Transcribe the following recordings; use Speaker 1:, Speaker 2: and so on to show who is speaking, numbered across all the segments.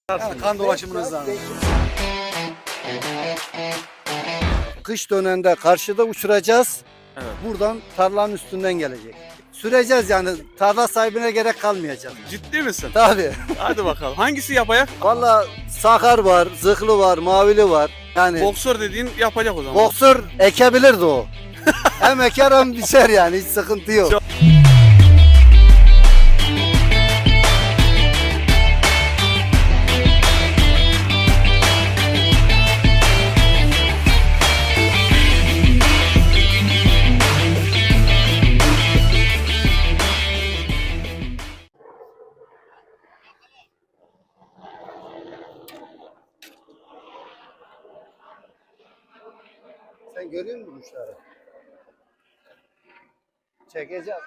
Speaker 1: Yani kan dolaşımını hızlandırır. Kış döneminde karşıda uçuracağız.
Speaker 2: Evet.
Speaker 1: Buradan tarlanın üstünden gelecek. Süreceğiz yani tarla sahibine gerek kalmayacak.
Speaker 2: Ciddi misin?
Speaker 1: Tabii.
Speaker 2: Hadi bakalım. Hangisi yapayak?
Speaker 1: Valla sakar var, zıhlı var, mavili var. Yani
Speaker 2: Boksör dediğin yapacak o zaman.
Speaker 1: boksör ekebilirdi o. Hem eker hem biçer yani hiç sıkıntı yok.
Speaker 2: Çok-
Speaker 1: Sen görüyor musun kuşları? Çekeceğim.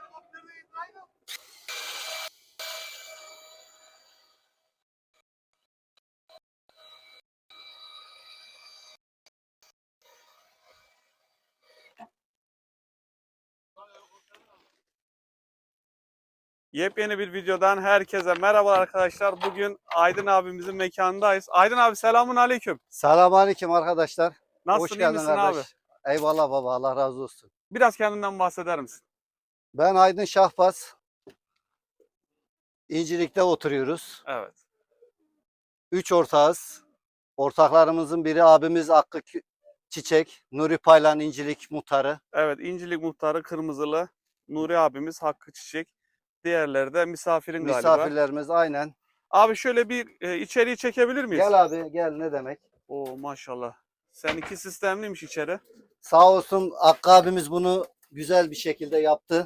Speaker 2: Yepyeni bir videodan herkese merhaba arkadaşlar. Bugün Aydın abimizin mekanındayız. Aydın abi selamun aleyküm.
Speaker 1: Selamünaleyküm arkadaşlar.
Speaker 2: Nasılsın,
Speaker 1: Hoş
Speaker 2: iyi
Speaker 1: geldin
Speaker 2: misin
Speaker 1: kardeş.
Speaker 2: abi?
Speaker 1: Eyvallah baba, Allah razı olsun.
Speaker 2: Biraz kendinden bahseder misin?
Speaker 1: Ben Aydın Şahbaz. İncilik'te oturuyoruz.
Speaker 2: Evet.
Speaker 1: 3 ortağız. Ortaklarımızın biri abimiz Hakkı Çiçek, Nuri Paylan İncilik muhtarı.
Speaker 2: Evet, İncilik muhtarı Kırmızılı Nuri abimiz Hakkı Çiçek. Diğerleri de misafirin galiba.
Speaker 1: Misafirlerimiz aynen.
Speaker 2: Abi şöyle bir içeriği çekebilir miyiz?
Speaker 1: Gel abi gel, ne demek.
Speaker 2: Oo maşallah. Seninki sistemliymiş içeri.
Speaker 1: Sağ olsun Hakkı abimiz bunu güzel bir şekilde yaptı.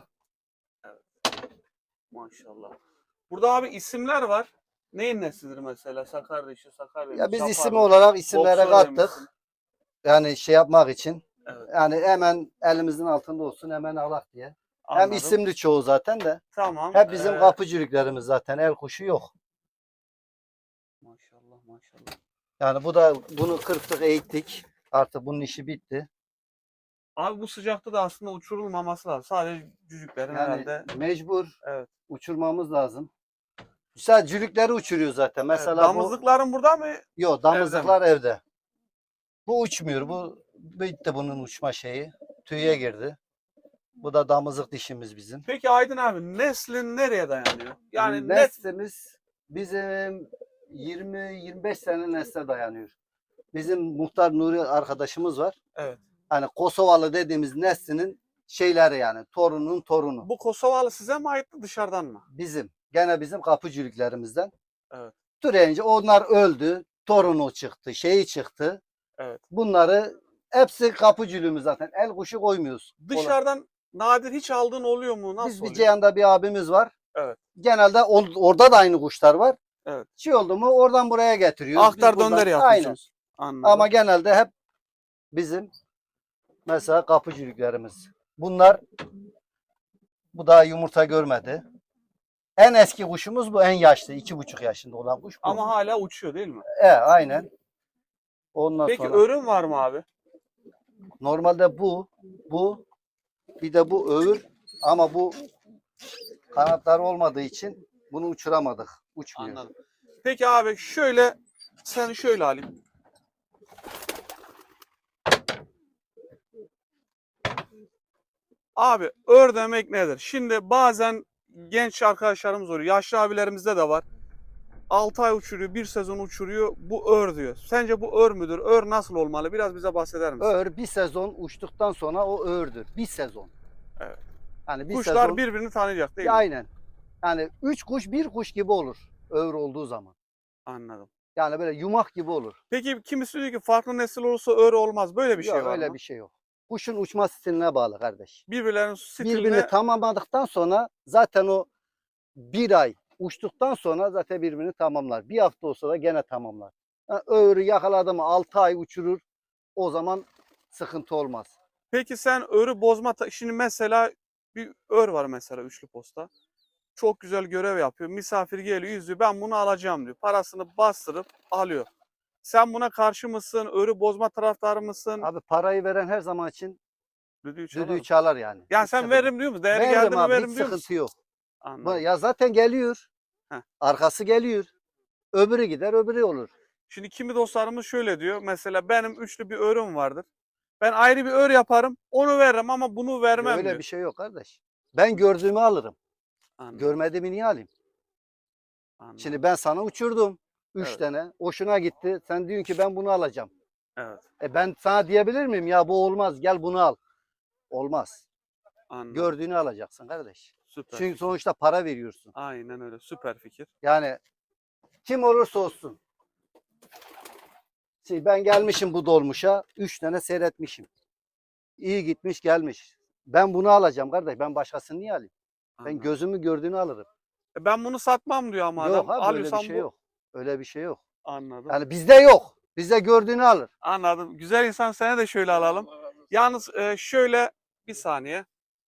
Speaker 2: Maşallah. Burada abi isimler var. Neyin nesidir mesela? Sakar dişi, Sakar
Speaker 1: Ya biz
Speaker 2: Şapar
Speaker 1: isim
Speaker 2: mı?
Speaker 1: olarak isimlere
Speaker 2: Boksör
Speaker 1: kattık.
Speaker 2: demişsin.
Speaker 1: Yani şey yapmak için.
Speaker 2: Evet.
Speaker 1: Yani hemen elimizin altında olsun, hemen alak diye. Hem
Speaker 2: Anladım.
Speaker 1: isimli çoğu zaten de.
Speaker 2: Tamam.
Speaker 1: Hep bizim kapıcılıklarımız zaten, el kuşu yok.
Speaker 2: Maşallah maşallah.
Speaker 1: Yani bunu kırptık, eğittik. Artık bunun işi bitti.
Speaker 2: Abi bu sıcakta da aslında uçurulmaması lazım. Sadece cücüklerin
Speaker 1: Yani
Speaker 2: herhalde.
Speaker 1: mecbur
Speaker 2: Evet.
Speaker 1: uçurmamız lazım. Güzel cülükleri uçuruyor zaten. Mesela
Speaker 2: Evet, damızlıkların burada mı?
Speaker 1: yok, damızlıklar evde. Bu uçmuyor. Bu bitti bunun uçma şeyi. Tüye girdi. Bu da damızlık dişimiz bizim.
Speaker 2: Peki Aydın abi neslin nereye dayanıyor? Yani net
Speaker 1: Neslimiz bizim 20-25 sene nesle dayanıyor. Bizim muhtar Nuri arkadaşımız var.
Speaker 2: evet.
Speaker 1: Hani Kosovalı dediğimiz neslinin şeyleri yani torunun torunu.
Speaker 2: Bu Kosovalı size mi aitti dışarıdan mı?
Speaker 1: Bizim. Gene bizim kapıcılıklarımızdan.
Speaker 2: Evet.
Speaker 1: Türeyince onlar öldü. Torunu çıktı. Şeyi çıktı.
Speaker 2: Evet.
Speaker 1: Bunları hepsi kapıcılığımız zaten. El kuşu koymuyoruz.
Speaker 2: Dışarıdan nadir hiç aldığın oluyor mu? Nasıl
Speaker 1: Biz bir
Speaker 2: oluyor?
Speaker 1: Ceyhan'da bir abimiz var.
Speaker 2: Evet.
Speaker 1: Genelde orada da aynı kuşlar var.
Speaker 2: Evet.
Speaker 1: Şey oldu mu oradan buraya getiriyoruz. Biz
Speaker 2: Aktar
Speaker 1: buradan-
Speaker 2: dönder
Speaker 1: Aynen.
Speaker 2: yapıyorsunuz. Anladım.
Speaker 1: Ama genelde hep bizim mesela kapıcılıklarımız. Bu daha yumurta görmedi. En eski kuşumuz bu, en yaşlı. 2,5 yaşında olan kuş bu.
Speaker 2: Ama hala uçuyor değil mi?
Speaker 1: Aynen. Ondan
Speaker 2: Peki
Speaker 1: sonra
Speaker 2: örüm var mı abi?
Speaker 1: normalde bu bir de bu öğür, ama bu kanatları olmadığı için bunu uçuramadık. Uçmuyor.
Speaker 2: Anladım. Peki abi şöyle sen şöyle alayım. Abi ör demek nedir? Şimdi bazen genç arkadaşlarımız oluyor. Yaşlı abilerimizde de var. 6 ay uçuruyor, bir sezon uçuruyor. Bu ör diyor. Sence bu ör müdür? Ör nasıl olmalı? Biraz bize bahseder misin?
Speaker 1: Öğür bir sezon uçtuktan sonra o öğürdür. Bir sezon.
Speaker 2: Evet.
Speaker 1: Yani bir
Speaker 2: Kuşlar
Speaker 1: sezon.
Speaker 2: birbirini tanıyacak değil mi?
Speaker 1: Aynen. Yani 3 kuş bir kuş gibi olur. Öğür olduğu zaman.
Speaker 2: Anladım.
Speaker 1: Yani böyle yumak gibi olur.
Speaker 2: Peki kimisi diyor ki farklı nesil olursa ör olmaz. Böyle bir şey
Speaker 1: Yok,
Speaker 2: var
Speaker 1: öyle
Speaker 2: mı?
Speaker 1: bir şey yok. Kuşun uçma stiline bağlı kardeş.
Speaker 2: Birbirlerinin stiline
Speaker 1: Birbirini tamamladıktan sonra zaten o bir ay uçtuktan sonra zaten birbirini tamamlar. Bir hafta olsa da gene tamamlar. Yani öğürü yakaladı mı 6 ay uçurur. O zaman sıkıntı olmaz.
Speaker 2: Peki sen örü bozma şimdi mesela bir ör var mesela üçlü posta. Çok güzel görev yapıyor. Misafir geliyor, yüzüyor. Ben bunu alacağım diyor. Parasını bastırıp alıyor. Sen buna karşı mısın? Örü bozma taraftarı mısın?
Speaker 1: Abi parayı veren her zaman için
Speaker 2: Düdüğü çalar.
Speaker 1: düdüğü çalar yani.
Speaker 2: Yani
Speaker 1: Hiç
Speaker 2: sen
Speaker 1: sıkıntı-
Speaker 2: veririm diyor musun? Değeri
Speaker 1: Veririm
Speaker 2: geldi mi
Speaker 1: abi,
Speaker 2: veririm
Speaker 1: hiç
Speaker 2: diyor musun?
Speaker 1: sıkıntı yok.
Speaker 2: Anladım.
Speaker 1: Ya zaten geliyor.
Speaker 2: Heh.
Speaker 1: Arkası geliyor. Öbürü gider, öbürü olur.
Speaker 2: Şimdi kimi dostlarımız şöyle diyor. Mesela benim üçlü bir örüm vardır. Ben ayrı bir ör yaparım. Onu veririm ama bunu vermem
Speaker 1: Öyle
Speaker 2: diyor.
Speaker 1: bir şey yok kardeş. Ben gördüğümü alırım.
Speaker 2: Anladım,
Speaker 1: Görmediğimi niye alayım?
Speaker 2: anladım.
Speaker 1: Şimdi ben sana uçurdum. 3
Speaker 2: Evet.
Speaker 1: tane. Hoşuna gitti. Sen diyorsun ki ben bunu alacağım.
Speaker 2: Evet,
Speaker 1: Ben sana diyebilir miyim? Ya bu olmaz. Gel bunu al. Olmaz.
Speaker 2: anladım.
Speaker 1: Gördüğünü alacaksın kardeş.
Speaker 2: Süper
Speaker 1: Çünkü
Speaker 2: fikir.
Speaker 1: sonuçta para veriyorsun.
Speaker 2: Aynen öyle. Süper fikir.
Speaker 1: Yani kim olursa olsun. Ben gelmişim bu dolmuşa. 3 tane seyretmişim. İyi gitmiş gelmiş. Ben bunu alacağım kardeş. Ben başkasını niye alayım? Ben
Speaker 2: Anladım.
Speaker 1: gözümü gördüğünü alırım.
Speaker 2: Ben bunu satmam diyor ama
Speaker 1: Yok
Speaker 2: adam.
Speaker 1: abi öyle bir
Speaker 2: Alıyorsam
Speaker 1: şey
Speaker 2: bu.
Speaker 1: yok. Öyle bir şey yok.
Speaker 2: Anladım.
Speaker 1: Yani bizde yok. Bizde gördüğünü alır.
Speaker 2: Anladım. Güzel insan, seni de şöyle alalım. Yalnız şöyle bir saniye.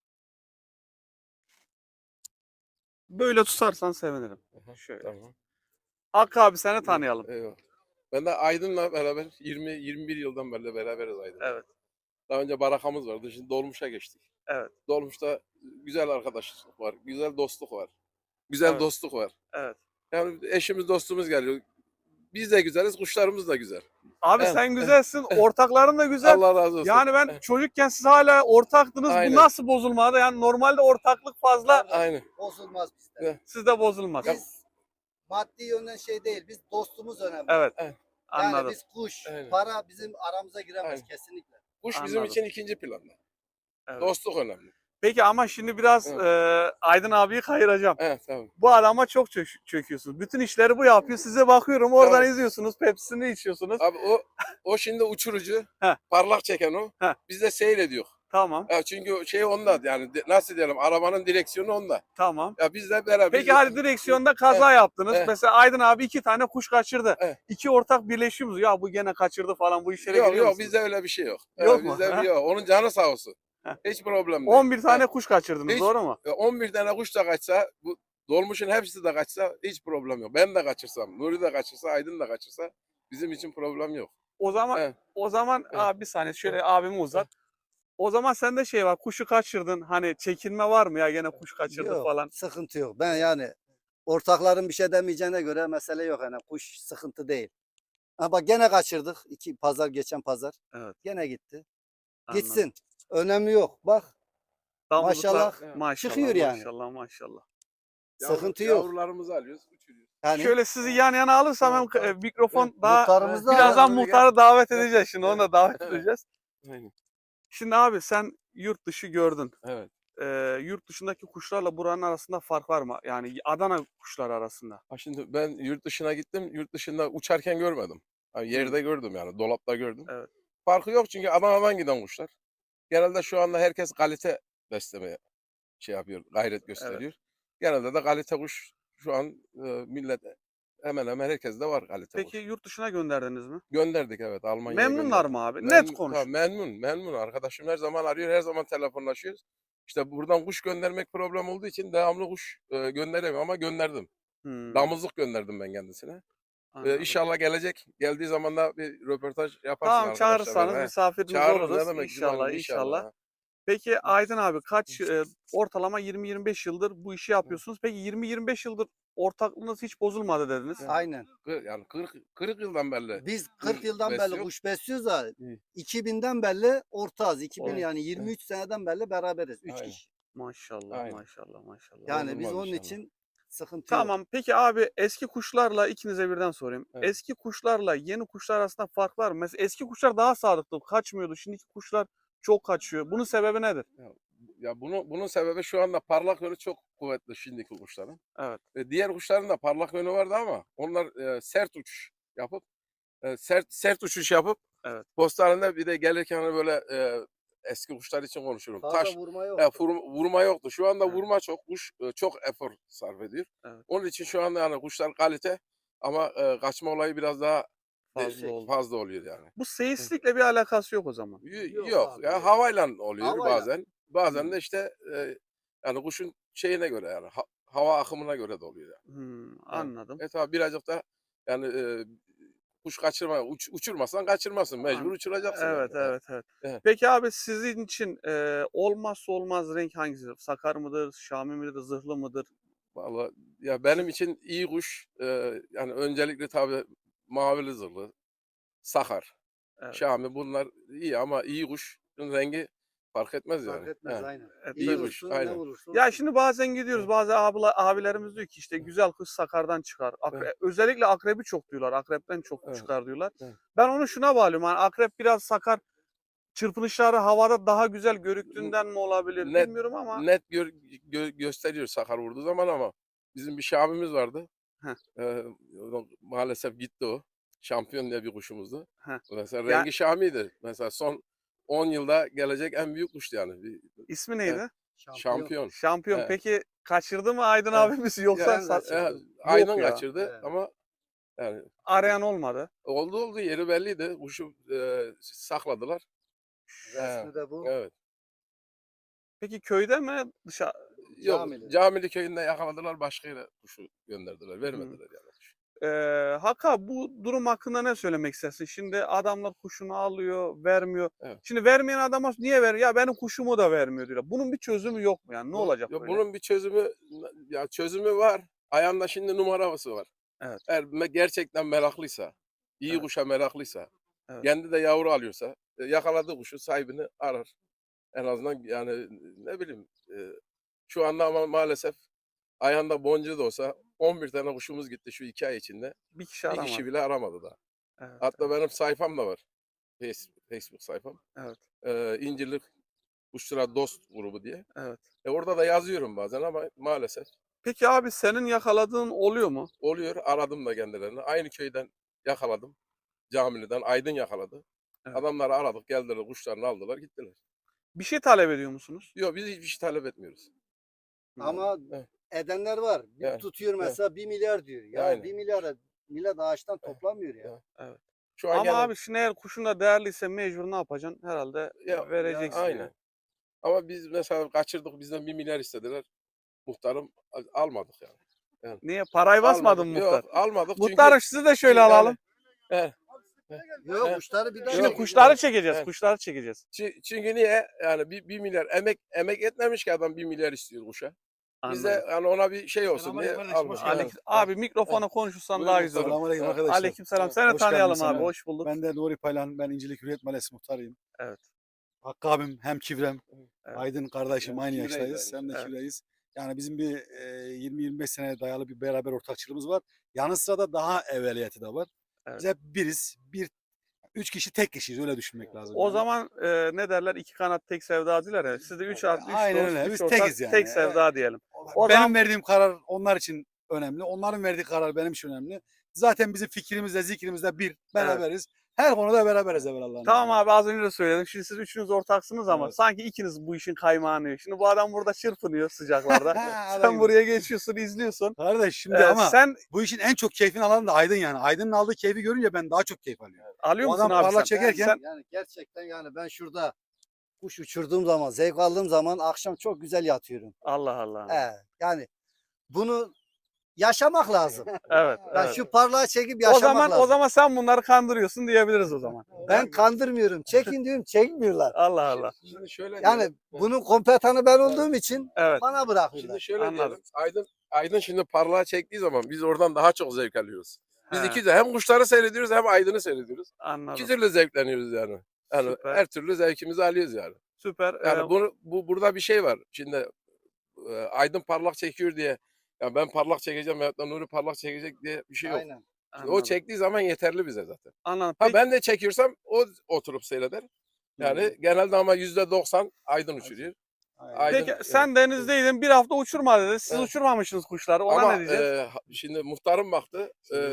Speaker 2: Böyle tutarsan sevinirim. Şöyle.
Speaker 3: Tamam.
Speaker 2: Hakkı abi, seni tanıyalım.
Speaker 3: Eyvallah. Ben de Aydın'la beraber 20-21 yıldan beri beraberiz Aydın'la.
Speaker 2: Evet.
Speaker 3: Daha önce barakamız vardı. Şimdi Dolmuş'a geçtik.
Speaker 2: Evet.
Speaker 3: Dolmuş'ta güzel arkadaşlık var. Güzel dostluk var. Güzel
Speaker 2: Evet.
Speaker 3: dostluk var.
Speaker 2: Evet.
Speaker 3: Yani eşimiz dostumuz geliyor. Biz de güzeliz, kuşlarımız da güzel.
Speaker 2: Abi
Speaker 3: Evet.
Speaker 2: sen güzelsin. Ortakların da güzel.
Speaker 3: Allah razı olsun.
Speaker 2: Yani ben çocukken siz hala ortaktınız. Bu
Speaker 3: Aynen.
Speaker 2: nasıl bozulmadı? Yani normalde ortaklık fazla.
Speaker 3: Aynen.
Speaker 1: Bozulmaz bizde.
Speaker 3: Evet.
Speaker 2: Sizde bozulmaz.
Speaker 1: Biz maddi yönden şey değil. Biz dostumuz önemli.
Speaker 2: Evet.
Speaker 3: Evet.
Speaker 1: Yani
Speaker 2: Anladım.
Speaker 1: biz kuş,
Speaker 3: Aynen.
Speaker 1: para bizim aramıza giremez
Speaker 3: Aynen.
Speaker 1: kesinlikle.
Speaker 3: Kuş bizim
Speaker 2: Anladım.
Speaker 3: için ikinci planda.
Speaker 2: Evet.
Speaker 3: Dostluk önemli.
Speaker 2: Peki ama şimdi biraz
Speaker 3: Evet.
Speaker 2: Aydın abiyi kayıracağım.
Speaker 3: Evet, tamam.
Speaker 2: Bu adama çok çöküyorsunuz. Bütün işleri bu yapıyor. Size bakıyorum, oradan
Speaker 3: Tabii.
Speaker 2: izliyorsunuz. Pepsi'ni içiyorsunuz.
Speaker 3: Abi o şimdi uçurucu,
Speaker 2: Heh.
Speaker 3: parlak çeken o.
Speaker 2: Heh.
Speaker 3: Biz de seyrediyor.
Speaker 2: Tamam.
Speaker 3: Ya çünkü şey onda yani nasıl diyelim arabanın direksiyonu onda.
Speaker 2: Tamam.
Speaker 3: Ya biz de beraber.
Speaker 2: Peki hadi direksiyonda kaza yaptınız.
Speaker 3: Evet.
Speaker 2: Mesela Aydın abi 2 tane kuş kaçırdı.
Speaker 3: Evet.
Speaker 2: İki ortak birleşiyoruz. Ya bu gene kaçırdı falan, bu işlere
Speaker 3: Yok
Speaker 2: giriyor
Speaker 3: yok
Speaker 2: musunuz?
Speaker 3: bizde öyle bir şey yok.
Speaker 2: Yok mu?
Speaker 3: Bizde
Speaker 2: Ha?
Speaker 3: yok. Onun canı sağ olsun.
Speaker 2: Heh.
Speaker 3: Hiç problem değil.
Speaker 2: 11 tane kuş kaçırdınız,
Speaker 3: Hiç-
Speaker 2: doğru mu?
Speaker 3: 11 tane kuş da kaçsa, bu dolmuşun hepsi de kaçsa hiç problem yok. Ben de kaçırsam, Nuri de kaçırsa, Aydın da kaçırsa bizim için problem yok.
Speaker 2: O zaman
Speaker 3: Evet.
Speaker 2: o zaman abi bir saniye şöyle abimi uzat. O zaman sende şey var, kuşu kaçırdın. Hani çekinme var mı ya, gene kuş kaçırdı
Speaker 1: Yok,
Speaker 2: falan.
Speaker 1: sıkıntı yok. Ben yani ortakların bir şey demeyeceğine göre mesele yok. Yani kuş sıkıntı değil. Ha bak gene kaçırdık. Geçen pazar.
Speaker 2: Evet.
Speaker 1: Gene gitti.
Speaker 2: Anladım.
Speaker 1: Gitsin. Önemli yok. Bak
Speaker 2: Damızlıklar,
Speaker 1: maşallah
Speaker 2: maşallah,
Speaker 1: çıkıyor yani.
Speaker 2: maşallah, maşallah.
Speaker 1: Sıkıntı yok.
Speaker 3: Yavrularımızı alıyoruz, uçuruyoruz.
Speaker 1: Yani
Speaker 2: Şöyle sizi yan yana alırsam hem
Speaker 3: Tamam, tamam.
Speaker 2: mikrofon
Speaker 3: Evet,
Speaker 2: daha
Speaker 1: muhtarımız da
Speaker 2: birazdan
Speaker 3: Böyle
Speaker 2: muhtarı davet
Speaker 3: Evet.
Speaker 2: edeceğiz, şimdi onu da davet
Speaker 3: Evet.
Speaker 2: edeceğiz.
Speaker 3: Aynen.
Speaker 2: Şimdi abi sen yurt dışı gördün.
Speaker 3: Evet.
Speaker 2: Yurt dışındaki kuşlarla buranın arasında fark var mı? Yani Adana kuşları arasında.
Speaker 3: Ha şimdi ben yurt dışına gittim. Yurt dışında uçarken görmedim. Ha, yerde gördüm yani. Dolapta gördüm.
Speaker 2: Evet.
Speaker 3: Farkı yok çünkü Adana'dan giden kuşlar. Genelde şu anda herkes kalite beslemeye şey yapıyor, gayret gösteriyor. Genelde de kalite kuş şu an millet hemen hemen herkes de var kalite
Speaker 2: Peki
Speaker 3: kuş.
Speaker 2: yurt dışına gönderdiniz mi?
Speaker 3: Gönderdik evet Almanya'ya
Speaker 2: Memnunlar
Speaker 3: gönderdik.
Speaker 2: mı abi? Net
Speaker 3: Memnun,
Speaker 2: konuş.
Speaker 3: tabii memnun. Arkadaşım her zaman arıyor, her zaman telefonlaşıyoruz. İşte buradan kuş göndermek problem olduğu için devamlı kuş gönderemiyorum ama gönderdim.
Speaker 2: Hmm,
Speaker 3: Damızlık gönderdim ben kendisine.
Speaker 2: anladım.
Speaker 3: İnşallah gelecek. Geldiği zaman da bir röportaj yaparsın
Speaker 2: Tamam,
Speaker 3: arkadaşlar.
Speaker 2: çağırırsanız
Speaker 3: He.
Speaker 2: misafiriniz
Speaker 3: Çağırırız,
Speaker 2: oluruz.
Speaker 3: ne demek
Speaker 2: İnşallah,
Speaker 3: güzelim,
Speaker 2: inşallah. Peki Aydın abi ortalama 20-25 yıldır bu işi yapıyorsunuz. Peki 20-25 yıldır ortaklığınız hiç bozulmadı dediniz.
Speaker 3: Evet.
Speaker 1: aynen.
Speaker 3: Yani 40 yıldan beri.
Speaker 1: Biz 40 yıldan beri
Speaker 3: besliyor.
Speaker 1: kuş besliyoruz da
Speaker 3: İyi.
Speaker 1: 2000'den beri ortağız. 2000
Speaker 3: Evet.
Speaker 1: yani 23 seneden beri beraberiz. 3
Speaker 3: Aynen.
Speaker 1: kişi.
Speaker 2: Maşallah,
Speaker 3: Aynen.
Speaker 2: maşallah, maşallah.
Speaker 1: Yani biz
Speaker 3: Bozulmaz
Speaker 1: onun
Speaker 3: inşallah.
Speaker 1: için sıkıntı yok.
Speaker 2: Tamam, peki abi eski kuşlarla ikinize birden sorayım.
Speaker 3: Evet.
Speaker 2: Eski kuşlarla yeni kuşlar arasında fark var mı? Mesela eski kuşlar daha sadıklı, kaçmıyordu. Şimdiki kuşlar çok kaçıyor. Bunun sebebi nedir?
Speaker 3: Ya bunun sebebi şu anda parlak yönü çok kuvvetli şimdiki kuşların.
Speaker 2: Evet.
Speaker 3: Diğer kuşların da parlak yönü vardı ama onlar sert uçuş yapıp sert uçuş yapıp
Speaker 2: Evet.
Speaker 3: postanede bir de gelirken hani böyle eski kuşlar için konuşurum.
Speaker 1: Fazla
Speaker 3: Taş
Speaker 1: vurma yok.
Speaker 3: vurma yoktu. Şu anda
Speaker 2: Evet.
Speaker 3: vurma çok. Kuş çok efor sarf ediyor.
Speaker 2: Evet.
Speaker 3: Onun için şu anda yani kuşlar kalite ama kaçma olayı biraz daha
Speaker 2: Fazla oldu.
Speaker 3: fazla oluyor yani.
Speaker 2: Bu seyislikle bir alakası yok o zaman.
Speaker 1: Yok
Speaker 3: Yok
Speaker 1: abi,
Speaker 3: ya
Speaker 1: yok.
Speaker 3: havayla oluyor
Speaker 1: Havayla.
Speaker 3: bazen. Bazen
Speaker 2: Hmm.
Speaker 3: de işte yani kuşun şeyine göre yani hava akımına göre de oluyor yani.
Speaker 2: Anladım.
Speaker 3: Tabii birazcık da yani kuş kaçırma uçurmasan kaçırmasın mecbur uçuracaksın.
Speaker 2: Evet,
Speaker 3: yani.
Speaker 2: evet, evet.
Speaker 3: Evet.
Speaker 2: Peki abi sizin için olmazsa olmaz renk hangisidir? Sakar mıdır, Şami midir, zırhlı mıdır?
Speaker 3: Vallahi ya benim için iyi kuş yani öncelikle tabii mavili zırhlı, sakar,
Speaker 2: Evet.
Speaker 3: Şami bunlar iyi ama iyi kuşun rengi fark etmez
Speaker 1: Fark
Speaker 3: yani.
Speaker 1: etmez
Speaker 3: He,
Speaker 1: aynen.
Speaker 2: E,
Speaker 1: İyi
Speaker 3: iyi
Speaker 2: tabii.
Speaker 3: kuş,
Speaker 1: olursun, ne
Speaker 3: aynen.
Speaker 1: olursa
Speaker 2: Ya
Speaker 1: olsun.
Speaker 2: şimdi bazen gidiyoruz,
Speaker 3: Evet.
Speaker 2: bazı abilerimiz diyor ki işte güzel kuş sakardan çıkar.
Speaker 3: Evet.
Speaker 2: Özellikle akrebi çok diyorlar. Akrepten çok
Speaker 3: Evet.
Speaker 2: çıkar diyorlar.
Speaker 3: Evet.
Speaker 2: Ben onu şuna bağlıyorum. Hani akrep biraz sakar, çırpınışları havada daha güzel görüktüğünden mi olabilir
Speaker 3: Net
Speaker 2: bilmiyorum ama.
Speaker 3: net gösteriyor sakar vurduğu zaman ama bizim bir Şamimiz vardı.
Speaker 2: Heh.
Speaker 3: Maalesef gitti o. Şampiyon diye bir kuşumuzdu.
Speaker 2: Heh.
Speaker 3: Mesela
Speaker 2: Ya
Speaker 3: rengi Şami'ydi. Mesela son 10 yılda gelecek en büyük kuştu yani.
Speaker 2: ismi
Speaker 3: Evet,
Speaker 2: neydi?
Speaker 3: şampiyon.
Speaker 2: Şampiyon.
Speaker 3: Evet,
Speaker 2: Peki kaçırdı mı Aydın
Speaker 3: evet.
Speaker 2: abimiz yoksa
Speaker 3: Ya,
Speaker 1: Ben kaçırdım.
Speaker 3: Aydın
Speaker 2: yok ya.
Speaker 3: kaçırdı
Speaker 1: Evet.
Speaker 3: ama yani
Speaker 2: Arayan olmadı.
Speaker 3: oldu yeri belliydi. Kuşu sakladılar.
Speaker 1: Resmi de bu.
Speaker 3: Evet.
Speaker 2: Peki köyde mi dışarı?
Speaker 3: Yok,
Speaker 1: Camili.
Speaker 3: Camili köyünde yakaladılar, başka yere kuşu gönderdiler.
Speaker 2: Hı.
Speaker 3: Vermediler yani kuşu.
Speaker 2: Haka bu durum hakkında ne söylemek istersin? Şimdi adamlar kuşunu alıyor, vermiyor.
Speaker 3: Evet.
Speaker 2: Şimdi vermeyen adama niye veriyor? Ya benim kuşumu da vermiyor diyor. Bunun bir çözümü yok mu yani? Ne olacak böyle?
Speaker 3: Bunun bir çözümü ya çözümü var. Ayağında şimdi numarası var.
Speaker 2: Evet.
Speaker 3: Eğer gerçekten meraklıysa, iyi
Speaker 2: Evet.
Speaker 3: kuşa meraklıysa,
Speaker 2: Evet.
Speaker 3: kendi de yavru alıyorsa, yakaladığı kuşu sahibini arar. En azından yani ne bileyim şu anda ama maalesef ayağında boncuğu da olsa 11 tane kuşumuz gitti şu 2 ay içinde.
Speaker 2: Bir kişi
Speaker 3: Bir kişi
Speaker 2: aramadı.
Speaker 3: bile aramadı daha.
Speaker 2: Evet.
Speaker 3: Hatta benim sayfam da var. Facebook sayfam.
Speaker 2: Evet.
Speaker 3: İncirlik Kuşlara Dost grubu diye.
Speaker 2: Evet.
Speaker 3: Orada da yazıyorum bazen ama maalesef
Speaker 2: Peki abi senin yakaladığın oluyor mu?
Speaker 3: oluyor. Aradım da kendilerini. Aynı köyden yakaladım. Camili'den Aydın yakaladı.
Speaker 2: Evet.
Speaker 3: Adamları aradık, geldiler, kuşlarını aldılar, gittiler.
Speaker 2: Bir şey talep ediyor musunuz?
Speaker 3: Yok biz hiçbir şey talep etmiyoruz.
Speaker 1: Ama
Speaker 3: Evet.
Speaker 1: edenler var. Bir
Speaker 3: Evet.
Speaker 1: tutuyor mesela 1 milyar diyor. Ya
Speaker 3: Aynen.
Speaker 1: 1 milyara millet ağaçtan toplamıyor ya.
Speaker 3: Evet.
Speaker 2: Evet.
Speaker 3: Şu an
Speaker 2: Ama
Speaker 3: gene
Speaker 2: abi şimdi eğer kuşun da değerliyse mecbur ne yapacaksın? Herhalde
Speaker 3: ya,
Speaker 2: vereceksin.
Speaker 3: aynen.
Speaker 2: Yani.
Speaker 3: Ama biz mesela kaçırdık, bizden 1 milyar istediler. Muhtarım almadık yani.
Speaker 2: Niye? Parayı basmadın
Speaker 3: Almadık.
Speaker 2: mı muhtar?
Speaker 3: Yok almadık
Speaker 2: Muhtarım sizi de şöyle
Speaker 3: çünkü
Speaker 2: alalım.
Speaker 3: yani,
Speaker 1: Yok
Speaker 3: Evet.
Speaker 1: kuşları bir daha
Speaker 2: Şimdi
Speaker 3: Yok,
Speaker 2: kuşları çekeceğiz.
Speaker 3: Evet.
Speaker 2: Kuşları çekeceğiz.
Speaker 3: Çünkü niye? Yani 1 milyar emek etmemiş ki adam 1 milyar istiyor kuşa. Biz de
Speaker 2: Anladım.
Speaker 3: yani ona bir şey olsun diye
Speaker 4: Selamünaleyküm kardeşim,
Speaker 3: almadık.
Speaker 4: hoş geldin.
Speaker 3: Evet.
Speaker 2: Abi mikrofona konuşursan
Speaker 3: Buyur
Speaker 2: daha
Speaker 3: muhtarım.
Speaker 2: güzel olur.
Speaker 4: Selamünaleyküm
Speaker 3: Evet.
Speaker 4: arkadaşlar.
Speaker 2: Aleykümselam.
Speaker 3: Evet.
Speaker 2: Seni
Speaker 4: Hoş geldin
Speaker 2: tanıyalım
Speaker 4: sana.
Speaker 2: abi. Hoş bulduk.
Speaker 4: Ben de Nuri Paylan, ben İncilik Hürriyet Mahallesi muhtarıyım.
Speaker 2: Evet.
Speaker 4: Hakkı abim hem Kivrem,
Speaker 2: Evet.
Speaker 4: Aydın kardeşim
Speaker 3: Yani
Speaker 4: aynı
Speaker 3: Kivreyiz
Speaker 4: yaştayız.
Speaker 3: aynı
Speaker 4: Hem de
Speaker 2: Evet.
Speaker 4: Kivreyiz. Yani bizim bir 20-25 sene dayalı bir beraber ortakçılığımız var. Yanı sıra da daha evveliyatı da var.
Speaker 2: Evet.
Speaker 4: Biz hep biriz. Üç kişi tek kişiyiz, öyle düşünmek lazım.
Speaker 2: O
Speaker 4: yani.
Speaker 2: zaman ne derler? İki kanat tek sevda diyorlar ya. Siz de üç
Speaker 4: Aynen
Speaker 2: dost,
Speaker 4: öyle.
Speaker 2: üç
Speaker 4: Biz
Speaker 2: ortak,
Speaker 4: tekiz yani.
Speaker 2: tek sevda diyelim. O
Speaker 4: Benim
Speaker 2: zaman
Speaker 4: verdiğim karar onlar için önemli. Onların verdiği karar benim için önemli. Zaten bizim fikrimizle zikrimizle bir. Beraberiz. Her konuda beraberiz evvelallah.
Speaker 2: tamam abi az önce de söyledim. Şimdi siz üçünüz ortaksınız ama
Speaker 4: Evet.
Speaker 2: sanki ikiniz bu işin kaymağını yiyor. Şimdi bu adam burada çırpınıyor sıcaklarda.
Speaker 4: Adam
Speaker 2: Sen
Speaker 4: gibi.
Speaker 2: buraya geçiyorsun, izliyorsun.
Speaker 4: Kardeş şimdi ama
Speaker 2: Sen
Speaker 4: bu işin en çok keyfini alan da Aydın yani. Aydın'ın aldığı keyfi görünce ben daha çok keyif alıyorum.
Speaker 2: alıyor
Speaker 4: O
Speaker 2: musun
Speaker 4: adam
Speaker 2: abi
Speaker 4: parla
Speaker 2: sen?
Speaker 4: çekerken-
Speaker 2: Sen-
Speaker 1: Yani gerçekten yani ben şurada kuş uçurduğum zaman, zevk aldığım zaman akşam çok güzel yatıyorum.
Speaker 2: Allah Allah.
Speaker 1: Yani bunu yaşamak lazım.
Speaker 2: Evet.
Speaker 1: Yani
Speaker 2: evet.
Speaker 1: şu parlağı çekip yaşamak lazım.
Speaker 2: O zaman sen bunları kandırıyorsun diyebiliriz o zaman.
Speaker 1: Ben kandırmıyorum. Çekin diyorum çekmiyorlar.
Speaker 2: Allah Allah.
Speaker 3: Şimdi şöyle
Speaker 1: Yani
Speaker 3: diyelim.
Speaker 1: bunun kompetanı ben olduğum için
Speaker 2: Evet.
Speaker 1: bana bırakıyorlar.
Speaker 3: Şimdi şöyle
Speaker 2: Anladım.
Speaker 3: diyelim. Aydın şimdi parlağa çektiği zaman biz oradan daha çok zevk alıyoruz. Biz
Speaker 2: He,
Speaker 3: iki de hem kuşları seyrediyoruz hem Aydın'ı seyrediyoruz. İki
Speaker 2: anladım.
Speaker 3: türlü zevkleniyoruz yani. Yani
Speaker 2: Süper.
Speaker 3: her türlü zevkimizi alıyoruz yani.
Speaker 2: Süper.
Speaker 3: Yani burada bir şey var. Şimdi Aydın parlak çekiyor diye ya ben parlak çekeceğim veyahut da Nuri parlak çekecek diye bir şey yok.
Speaker 1: Aynen.
Speaker 3: O
Speaker 2: Anladım.
Speaker 3: çektiği zaman yeterli bize zaten.
Speaker 2: Anladım.
Speaker 3: Ha
Speaker 2: Peki,
Speaker 3: ben de çekiyorsam o oturup seyreder. Yani genelde ama %90 Aydın uçuruyor. Aydın,
Speaker 2: peki sen denizdeydin bir hafta uçurma dedi. Siz
Speaker 3: Evet.
Speaker 2: uçurmamışsınız kuşları. Ona
Speaker 3: ama
Speaker 2: ne diyeceğiz?
Speaker 3: şimdi muhtarım baktı.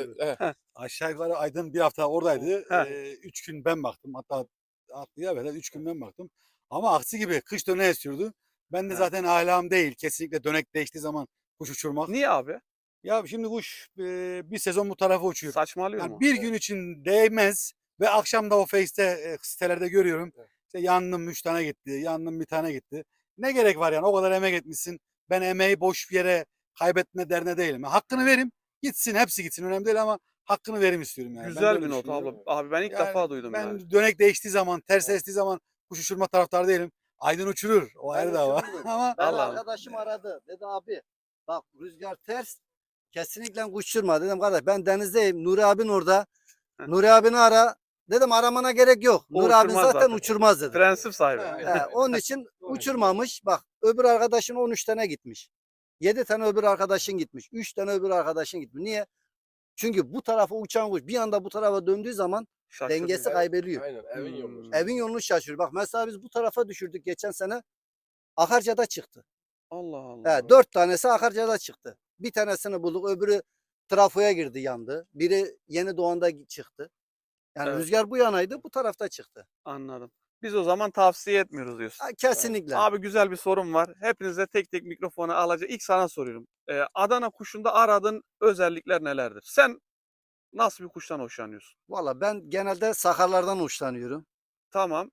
Speaker 4: Aşağı yukarı Aydın bir hafta oradaydı.
Speaker 2: Heh.
Speaker 4: 3 gün ben baktım. Hatta atlıya böyle 3 gün ben baktım. Ama aksi gibi kış döneği esiyordu. Ben de
Speaker 2: Heh.
Speaker 4: zaten alam değil. Kesinlikle dönek değiştiği zaman kuş uçurmak.
Speaker 2: Niye abi?
Speaker 4: Ya şimdi kuş bir sezon bu tarafa uçuyor.
Speaker 2: Saçmalıyor
Speaker 4: Yani
Speaker 2: mu?
Speaker 4: bir gün için değmez ve akşam da o Face'te sitelerde görüyorum.
Speaker 3: Evet.
Speaker 4: İşte yandım 3 tane gitti, yandım bir tane gitti. Ne gerek var yani o kadar emek etmişsin. Ben emeği boş bir yere kaybetme derne değilim. Hakkını verim gitsin hepsi gitsin önemli değil ama hakkını verim istiyorum yani. Ben de
Speaker 2: Güzel
Speaker 4: öyle
Speaker 2: bir not
Speaker 4: düşünüyorum.
Speaker 2: abi. Abi ben ilk
Speaker 4: Yani
Speaker 2: defa duydum
Speaker 4: ben
Speaker 2: yani.
Speaker 4: dönek değiştiği zaman, ters estiği zaman kuş uçurma taraftarı değilim. Aydın uçurur. O ayrı dava.
Speaker 1: uçururum.
Speaker 4: Ama
Speaker 1: Ben
Speaker 2: Allah Allah.
Speaker 1: arkadaşım aradı. Dedi abi Bak rüzgar ters. Kesinlikle uçurma dedim kardeş. Ben denizdeyim. Nuri abin orada.
Speaker 2: Heh.
Speaker 1: Nuri abini ara. Dedim aramana gerek yok.
Speaker 2: O
Speaker 1: Nuri abin
Speaker 2: uçurmaz
Speaker 1: zaten
Speaker 2: zaten.
Speaker 1: uçurmaz dedim.
Speaker 2: Prensip sahibi.
Speaker 1: Onun için uçurmamış. Bak öbür arkadaşın 13 tane gitmiş. 7 tane öbür arkadaşın gitmiş. 3 tane öbür arkadaşın gitmiş. Niye? Çünkü bu tarafa uçan kuş bir anda bu tarafa döndüğü zaman
Speaker 2: Şaşırdım.
Speaker 1: dengesi kaybediyor.
Speaker 3: Aynen evin yolu.
Speaker 2: Hmm.
Speaker 1: Evin yolunu şaşırıyor. Bak mesela biz bu tarafa düşürdük geçen sene. Akarca'da çıktı.
Speaker 2: Allah Allah.
Speaker 1: 4 tanesi Akarca'da çıktı. Bir tanesini bulduk. Öbürü trafoya girdi yandı. Biri Yeni Doğan'da çıktı. Yani
Speaker 2: Evet.
Speaker 1: rüzgar bu yanaydı bu tarafta çıktı.
Speaker 2: Anladım. Biz o zaman tavsiye etmiyoruz diyorsun.
Speaker 1: Kesinlikle.
Speaker 2: Abi güzel bir sorum var. Hepinize tek tek mikrofonu alacağım. İlk sana soruyorum. Adana kuşunda aradığın özellikler nelerdir? Sen nasıl bir kuştan hoşlanıyorsun?
Speaker 1: Valla ben genelde sakarlardan hoşlanıyorum.
Speaker 2: Tamam.